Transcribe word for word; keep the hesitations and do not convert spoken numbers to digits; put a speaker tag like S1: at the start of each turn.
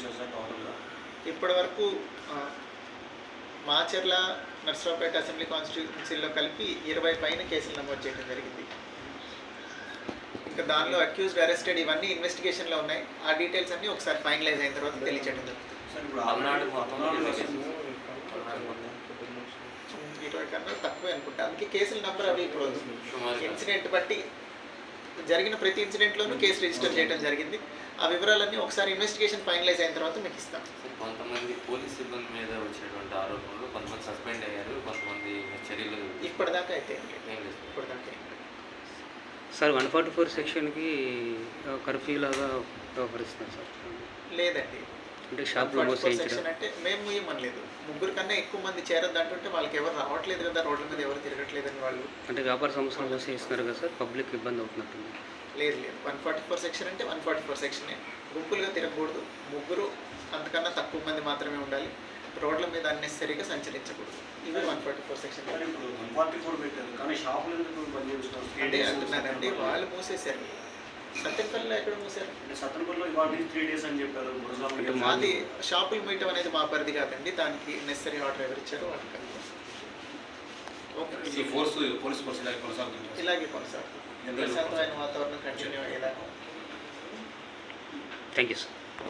S1: చేశారు సార్ టోటల్గా?
S2: ఇప్పటి వరకు మాచర్ల నర్సరావుపేట అసెంబ్లీ కాన్స్టిట్యూన్సీలో కలిపి ఇరవై పైన కేసులు నమోదు చేయడం జరిగింది. ఇంకా దానిలో అక్యూజ్డ్, అరెస్టెడ్ ఇవన్నీ ఇన్వెస్టిగేషన్లో ఉన్నాయి. ఆ డీటెయిల్స్ అన్నీ ఒకసారి ఫైనలైజ్ అయిన తర్వాత తెలియచేయడం జరుగుతుంది. ఇరవై కన్నా తక్కువే అనుకుంటా. అందుకే కేసుల నెంబర్ అవి ఇప్పుడు ఇన్సిడెంట్ బట్టి జరిగిన ప్రతి ఇన్సిడెంట్లోనూ కేసు రిజిస్టర్ చేయడం జరిగింది. ఆ వివరాలన్నీ ఒకసారి ఇన్వెస్టిగేషన్ ఫైనలైజ్ అయిన తర్వాత మీకు ఇస్తాం.
S3: కొంతమంది పోలీస్ సిబ్బంది మీద వచ్చేటువంటి ఆరోపణలు, కొంతమంది సస్పెండ్ అయ్యారు, కొంతమంది చర్యలు
S2: ఇప్పటిదాకా అయితే ఇప్పటిదాకా
S4: సార్ వన్ ఫార్టీ ఫోర్ సెక్షన్కి కర్ఫ్యూ లాగా వ్యవహరిస్తున్నారు సార్?
S2: లేదండి,
S4: అంటే షాప్లో
S2: సెక్షన్ అంటే మేము ఇవ్వమనలేదు. ముగ్గురు కన్నా ఎక్కువ మంది చేరద్దు అంటుంటే వాళ్ళకి ఎవరు రావట్లేదు కదా, రోడ్ల మీద ఎవరు తిరగట్లేదని వాళ్ళు.
S4: అంటే వ్యాపార సంస్థలు మూసేస్తున్నారు కదా సార్, పబ్లిక్ ఇబ్బంది అవుతున్నట్టుంది.
S2: లేదు లేదు, వన్ ఫార్టీ ఫోర్ సెక్షన్ అంటే వన్ ఫార్టీ ఫోర్ సెక్షనే. గుంపులుగా తిరగకూడదు, ముగ్గురు అంతకన్నా తక్కువ మంది మాత్రమే ఉండాలి, రోడ్ల మీద అన్నెసరీగా సంచరించకూడదు. ఇది వన్ ఫార్టీ ఫోర్ సెక్షన్. అంటే అంటున్నానండి, వాళ్ళు మూసేశారు. సత్యపల్లిలో ఎక్కడ మూసారు?
S1: సత్యపల్లిలో ఇవాళ త్రీ డేస్ అని చెప్పారు.
S2: అది షాపులు మీయటం అనేది మా పరిధి కాదండి, దానికి నెసరీ ఆర్డర్ ఎవరు ఇచ్చారో వాళ్ళకి ఇలాగే కొనసాగుతుంది. ప్రశాంతమైన వాతావరణం కంటిన్యూ అయ్యేలాగా.
S4: Thank you sir.